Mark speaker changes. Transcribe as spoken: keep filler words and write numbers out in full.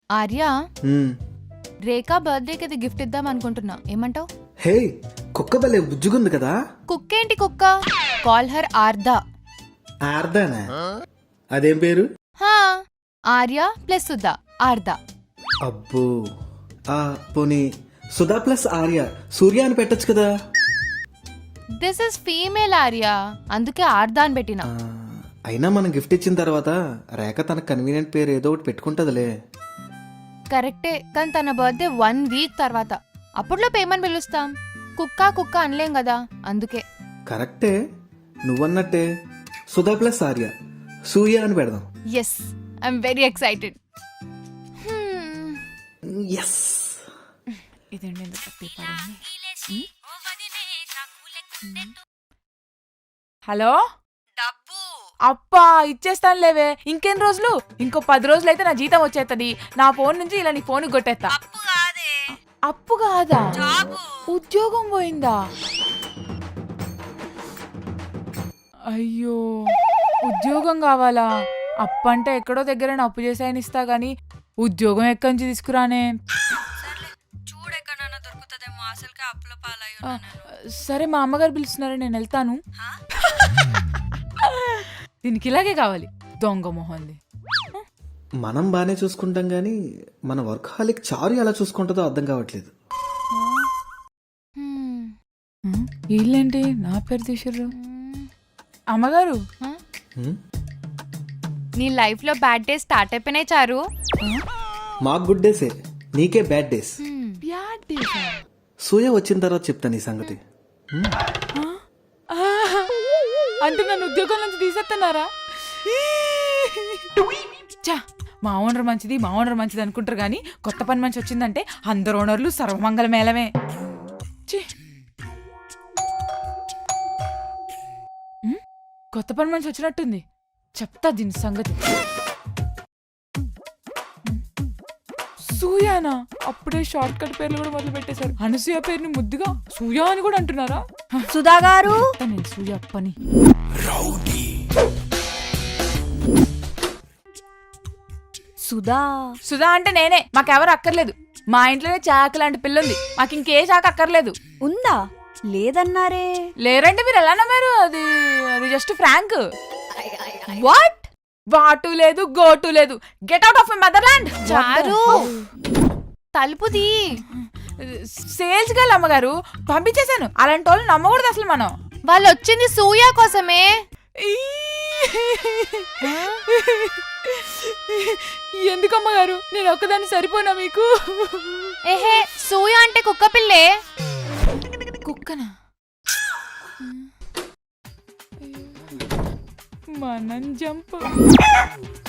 Speaker 1: ఆర్య
Speaker 2: మ్మ్.
Speaker 1: రేఖా బర్త్డేకి అది గిఫ్ట్ ఇద్దాం అనుకుంటున్నా, ఏమంటావ్?
Speaker 2: హే, కుక్క భలే బుజ్జుగుంది కదా.
Speaker 1: కుక్క ఏంటి కుక్క? Call her Arda.
Speaker 2: ఆర్దానా? అదేం పేరు?
Speaker 1: హా, ఆర్య ప్లస్ సుధా, ఆర్దా.
Speaker 2: అబ్బో, ఆ పోనీ సుధా ప్లస్ ఆర్య సూర్య అని పెట్టొచ్చు కదా.
Speaker 1: దిస్ ఇస్ ఫీమేల్ ఆర్య, అందుకే ఆర్దా అని పెట్టినా.
Speaker 2: ఆ, అయినా మనం గిఫ్ట్ ఇచ్చిన తర్వాత రేఖ తన కన్వీనియంట్ పేరు ఏదో ఒకటి పెట్టుకుంటదిలే.
Speaker 1: కరెక్టే, కానీ తన బర్త్డే వన్ వీక్ తర్వాత, అప్పుడులో పేమని పిలుస్తాం. కుక్క కుక్క అనలేం కదా, అందుకే.
Speaker 2: కరెక్టే, నువ్వన్నట్టే సుధా ప్లస్ ఆర్య సూర్య అని పెడదాం.
Speaker 1: Yes, I'm very excited.
Speaker 2: Yes.
Speaker 1: ఇదండి ఎందుకు తప్పి పడింది.
Speaker 3: హలో,
Speaker 4: డబ్బు
Speaker 3: అప్పా ఇచ్చేస్తాను లేవే, ఇంకెన్ని రోజులు? ఇంకో పది రోజులు అయితే నా జీతం వచ్చేస్తుంది. నా ఫోన్ నుంచి ఇలా నీ ఫోన్ కొట్టేస్తా.
Speaker 4: అప్పు కాదే,
Speaker 3: అప్పు కాదా,
Speaker 4: జాబు.
Speaker 3: ఉద్యోగం పోయిందా? అయ్యో, ఉద్యోగం కావాలా? అప్పు అంటే ఎక్కడో దగ్గర అప్పు చేసాయని ఇస్తా గానీ ఉద్యోగం ఎక్కడి నుంచి తీసుకురానే?
Speaker 4: సర్లే, చూడెక్కడన్నా దొరుకుతుందేమో. అసలుకే అప్పుల పాలై
Speaker 3: ఆ,
Speaker 4: ఉన్నా నేను.
Speaker 3: సరే, మా అమ్మగారు పిలుస్తున్నారు, నేను వెళ్తాను.
Speaker 4: హా?
Speaker 3: దీనికి ఇలాగే కావాలి, దొంగ మొహంది.
Speaker 2: మనం బానే చూసుకుంటాం గానీ మన వర్క్ హాలిక్ చారు ఎలా చూసుకుంటుందో అర్థం కావట్లేదు.
Speaker 1: హ్మ్.
Speaker 3: ఉం, వీళ్ళేంటి నా పేరు తీసిర్రు? అమ్మగారు,
Speaker 1: హ?
Speaker 2: హ్మ్?
Speaker 1: నీ లైఫ్ లో బ్యాడ్ డేస్ స్టార్ట్ అయిపోయినాయి చారు.
Speaker 2: మాకు గుడ్ డేసే, నీకే బ్యాడ్ డేస్.
Speaker 1: హ్మ్.
Speaker 3: బ్యాడ్ డేసా?
Speaker 2: సూర్య వచ్చిన తర్వాత చెప్తాను ఈ సంగతి. హ్మ్?
Speaker 3: ఆహా! అంటే నన్ను ఉద్యోగం నుంచి తీసేస్తున్నారా? ఛా, మా ఓనర్ మంచిది మా ఓనర్ మంచిది అనుకుంటారు కానీ కొత్త పని మంచి వచ్చిందంటే అందరు ఓనర్లు సర్వమంగళ మేళమే. ఛీ! ఉమ్, కొత్త పని మంచి వచ్చినట్టుంది, చెప్తా దీని సంగతి. సూయానా? అప్పుడే షార్ట్ కట్ పేర్లు కూడా మొదలు పెట్టేశారు. అనసూయ పేరుని ముద్దుగా సూయా అని కూడా అంటున్నారా?
Speaker 4: సుధా గారు,
Speaker 3: నేను సూయ పని.
Speaker 4: సుధా
Speaker 3: సుధా అంటే నేనే, మాకెవరు అక్కర్లేదు. మా ఇంట్లోనే చాక లాంటి పిల్లుంది, మాకు ఇంకే చాక అక్కర్లేదు.
Speaker 4: ఉందా? లేదన్నారే.
Speaker 3: లేరంటే మీరు ఎలా నమ్మారు? అది అది జస్ట్ ఫ్రాంక్.
Speaker 4: వాట్?
Speaker 3: వాటు లేదు గోటు లేదు, get out of my motherland.
Speaker 1: చారు తలుపుది.
Speaker 3: సేల్స్ గర్ల్ అమ్మగారు, పంపించేశాను. అలాంటి వాళ్ళు నమ్మకూడదు అసలు మనం.
Speaker 1: వాళ్ళు వచ్చింది సూయ కోసమే.
Speaker 3: ఈ! ఎందుకమ్మగారు, నేను ఒక్కదాన్ని సరిపోనా మీకు?
Speaker 1: ఏహే, సూయ అంటే కుక్క పిల్లే.
Speaker 3: కుక్కనా? మనం జంప్.